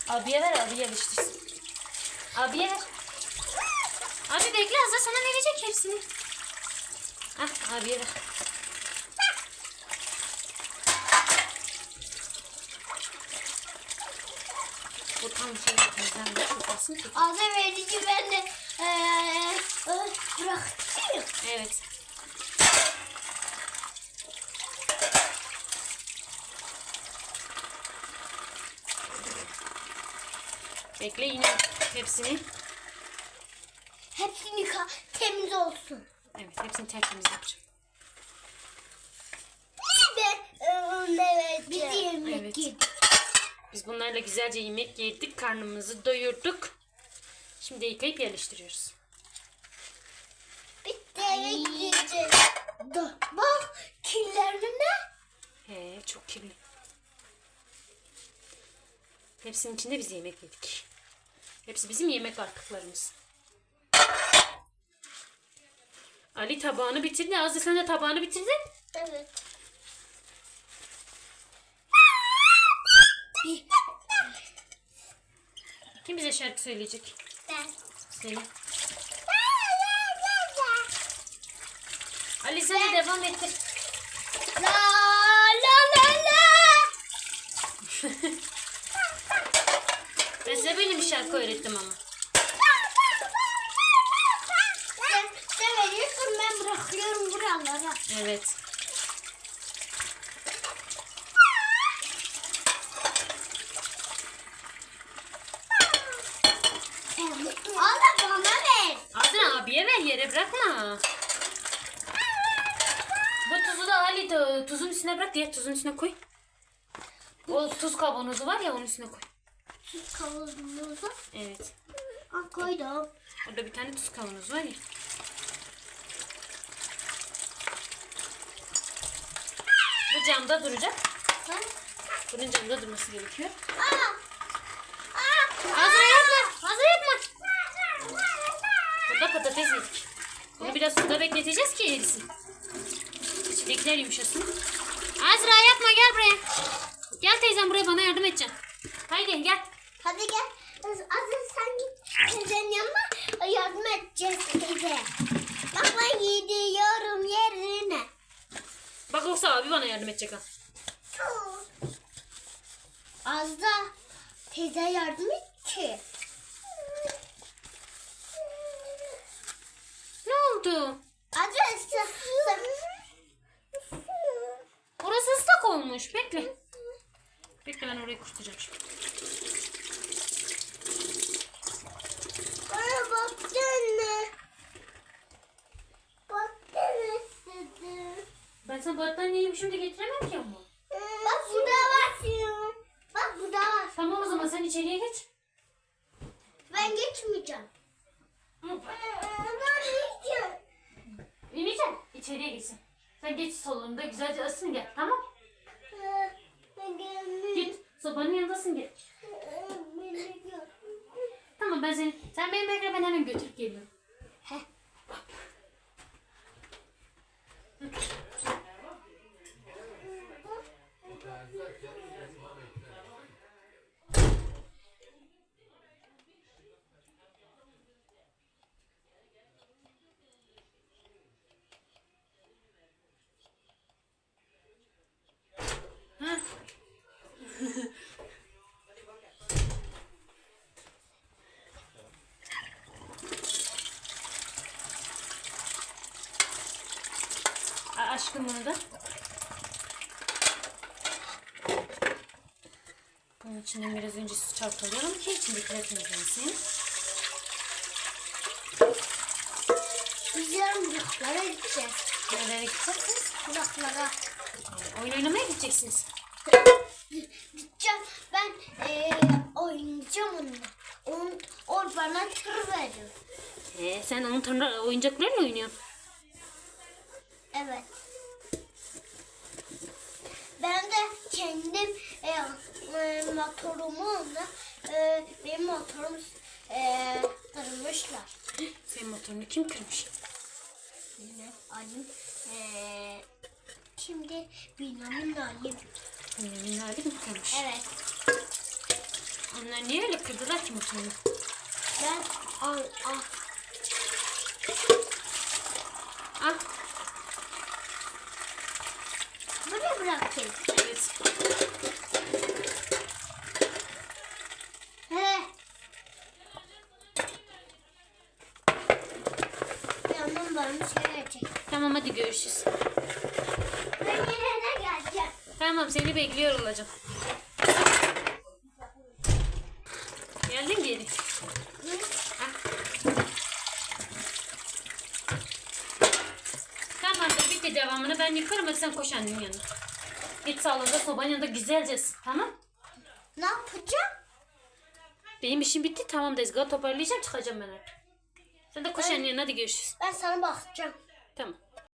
Abiye ver, abi yerleştirsin. Abiye ver. Abi bekle, Azra sana verecek hepsini. Ah, abiye ver. Bu tam şey bizden de tutmasın ki. Azra verici ben de bıraktım. Evet. Bekle yine hepsini. Hepsini temiz olsun. Evet, hepsini tertemiz yapacağım. Evet. Biz yemek Evet. yedik. Biz bunlarla güzelce yemek yedik, karnımızı doyurduk. Şimdi yıkayıp yerleştiriyoruz. Bitti eve gideceğiz. Bak kirlerine. He, çok kirli. Hepsinin içinde biz yemek yedik. Hepsi bizim yemek artıklarımız. Ali tabağını bitirdi. Azra sen de tabağını bitirdin. Evet. Kim bize şarkı söyleyecek? Ben. Söyle. Ali sen de devam ettir. La la la la. Ben size böyle bir şarkı öğrettim ama. Sen veriyorsun ben bırakıyorum buralara. Evet. Allah bana ver. Azra abiye ver, yere bırakma. Bu tuzu da Ali tuzun üstüne bırak, diğer tuzun üstüne koy. O tuz kavanozu var ya, onun üstüne koy. Tuz kavanozu. Evet. Koydum. Orada bir tane tuz kavanozu var ya. Bu camda duracak. Bunun camda durması gerekiyor. Azra yapma. Azra yapma. Burada patates yedik. Bunu biraz suda bekleteceğiz ki erisin. İçindekiler yumuşasın. Azra yapma, gel buraya. Gel teyzem buraya, bana yardım edeceksin. Haydi gel. Hadi gel. Azıcık sen git. Teyzenin yanına yardım edeceğiz teyze. Bak ben gidiyorum yerine. Bak yoksa abi bana yardım edecek ha. Az da teyze yardım et ki. Ne oldu? Azıcık Orası ıslak olmuş. Bekle. Bekle, ben orayı kurtaracağım şimdi. bana baktın mı? Baktın istedim. Ben sana battaniyeyi şimdi getiremem ki ama. Bak burada var. Bak burada var. Tamam o zaman sen içeriye geç. Ben geçmeyeceğim. Ben geçeceğim. İneceksin. İçeriye gitsin. Sen geç salonda güzelce ısın gel, tamam? Ben gelmeyeceğim. Git sobanın yanındasın gel. Tamam ben seni, sen beni bekle, ben hemen götürüp geliyorum. Heh. Ha? Aşkım bunu da. Bunun içinden biraz önce su çalkalayalım ki içindekiler temizlensin. Biz yarın Buraklara gideceğiz. Nereye gideceksiniz? Buraklara. Oyun oynamaya gideceksiniz. Gideceğim. Ben oynayacağım onunla. O bana tır veriyor. Sen onun tanrı oyuncaklarıyla oynuyorsun. Evet. Ben de kendim motorumu ona benim motorum kırmışlar. Senin motorunu kim kırmış? Yine alayım. Şimdi Bünyamin alayım. Annemin hali mi kırmış? Evet. Onlar niye öyle kırdılar ki motorunu? Ben al. Al. Buraya bırakayım. Evet. He. Yanım varmış gelecek. Tamam hadi görüşürüz. Ben yine de geleceğim. Tamam seni bekliyor olacağım. Geldin geri. Tamamdır bitti devamını ben yıkarım hadi sen koş annenin yanına. Git salonda sobanın yanında güzelce ısıt, tamam? Ne yapacağım? Benim işim bitti tamam tezgahı toparlayacağım çıkacağım ben artık. Sen de koş annenin yanına hadi görüşürüz. Ben sana bakacağım. Tamam.